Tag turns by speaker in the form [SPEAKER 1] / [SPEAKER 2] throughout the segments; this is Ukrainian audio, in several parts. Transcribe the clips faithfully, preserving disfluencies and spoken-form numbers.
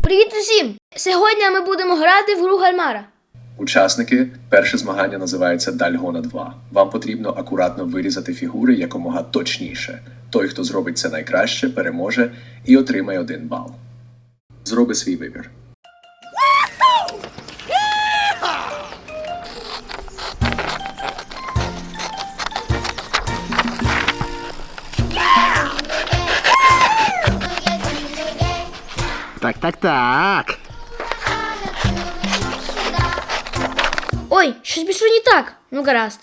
[SPEAKER 1] Привіт усім! Сьогодні ми будемо грати в гру Гальмара.
[SPEAKER 2] Учасники, перше змагання називається Дальгона два. Вам потрібно акуратно вирізати фігури якомога точніше. Той, хто зробить це найкраще, переможе і отримає один бал. Зроби свій вибір.
[SPEAKER 3] Так, так, так.
[SPEAKER 1] Ой, щось пішло не так. Ну гаразд.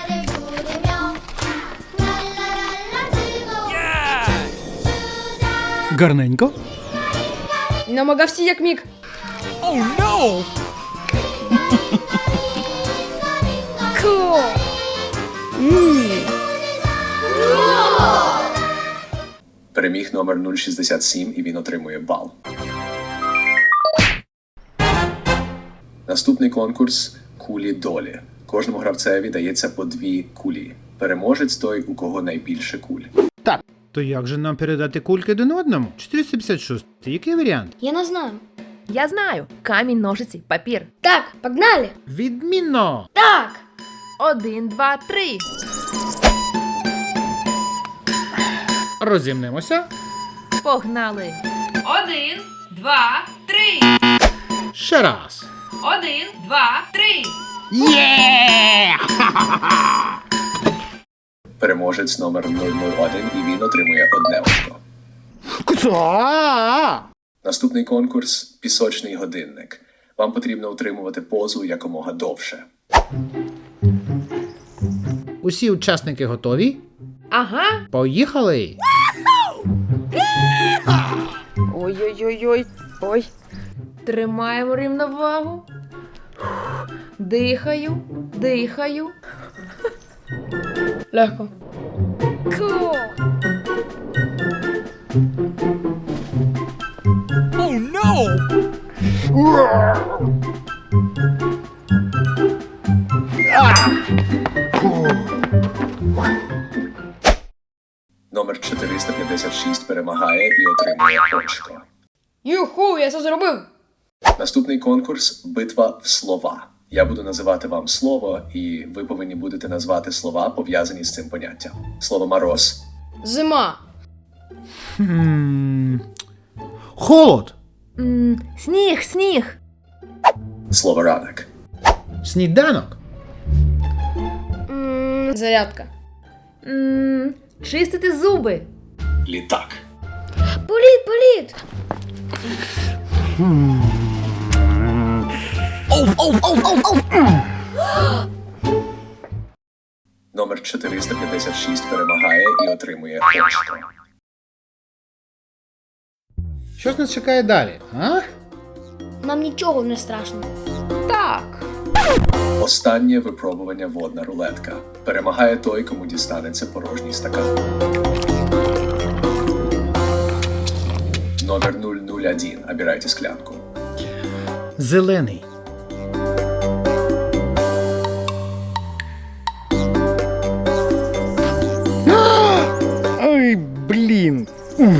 [SPEAKER 3] Гарненько.
[SPEAKER 1] Намагався як міг.
[SPEAKER 3] Oh, no!
[SPEAKER 1] Cool. Ммм.
[SPEAKER 2] Переміг номер нуль шістдесят сім і він отримує бал. Наступний конкурс – кулі долі. Кожному гравцеві дається по дві кулі. Переможець той, у кого найбільше куль.
[SPEAKER 3] Так. То як же нам передати кульки один одному? чотириста п'ятдесят шість. Який варіант?
[SPEAKER 1] Я не знаю.
[SPEAKER 4] Я знаю. Камінь, ножиці, папір.
[SPEAKER 1] Так, погнали.
[SPEAKER 3] Відмінно!
[SPEAKER 1] Так.
[SPEAKER 4] Один, два, три.
[SPEAKER 3] Розімнемося.
[SPEAKER 4] Погнали. Один, два, три.
[SPEAKER 3] Ще раз.
[SPEAKER 4] Один, два, три.
[SPEAKER 3] Є!
[SPEAKER 2] Переможець номер нуль нуль один і він отримує одне очко.
[SPEAKER 3] Куца!
[SPEAKER 2] Наступний конкурс – пісочний годинник. Вам потрібно утримувати позу якомога довше.
[SPEAKER 3] Усі учасники готові?
[SPEAKER 4] Ага.
[SPEAKER 3] Поїхали!
[SPEAKER 4] Ой-ой-ой-ой. Ой. Тримаємо рівновагу. Дихаю, дихаю.
[SPEAKER 1] Легко.
[SPEAKER 4] Cool.
[SPEAKER 3] Oh, no!
[SPEAKER 2] Номер чотириста п'ятдесят шість перемагає і отримує очко.
[SPEAKER 1] Юху, я це зробив.
[SPEAKER 2] Наступний конкурс – битва в слова. Я буду називати вам слово, і ви повинні будете назвати слова, пов'язані з цим поняттям. Слово «мороз».
[SPEAKER 1] Зима.
[SPEAKER 3] Хм... Холод.
[SPEAKER 4] М, Сніг, сніг.
[SPEAKER 2] Слово «ранок».
[SPEAKER 3] Сніданок.
[SPEAKER 1] М, Зарядка.
[SPEAKER 4] М, Чистити зуби.
[SPEAKER 2] Літак.
[SPEAKER 1] Політ, політ.
[SPEAKER 2] Номер чотириста п'ятдесят шість перемагає і отримує очко.
[SPEAKER 3] Що ж нас чекає далі, а?
[SPEAKER 1] Нам нічого не страшно.
[SPEAKER 4] Так.
[SPEAKER 2] Останнє випробування водна рулетка. Перемагає той, кому дістанеться порожній стакан. Номер нуль нуль один. Обирайте склянку.
[SPEAKER 3] Зелений. Ой, блін.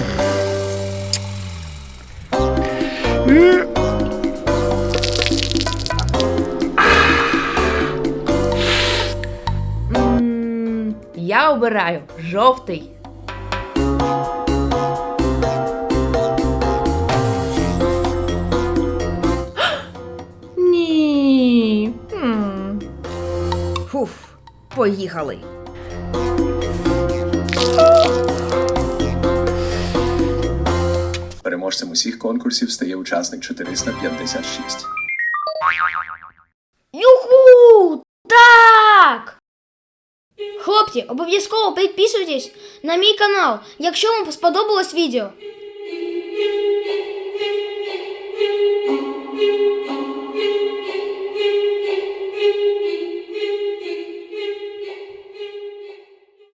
[SPEAKER 4] М, Я обираю жовтий. Ні. М. Фуф, поїхали.
[SPEAKER 2] Переможцем усіх конкурсів стає учасник чотириста п'ятдесят шість.
[SPEAKER 1] Юху! Так! Хлопці, обов'язково підписуйтесь на мій канал, якщо вам сподобалось відео.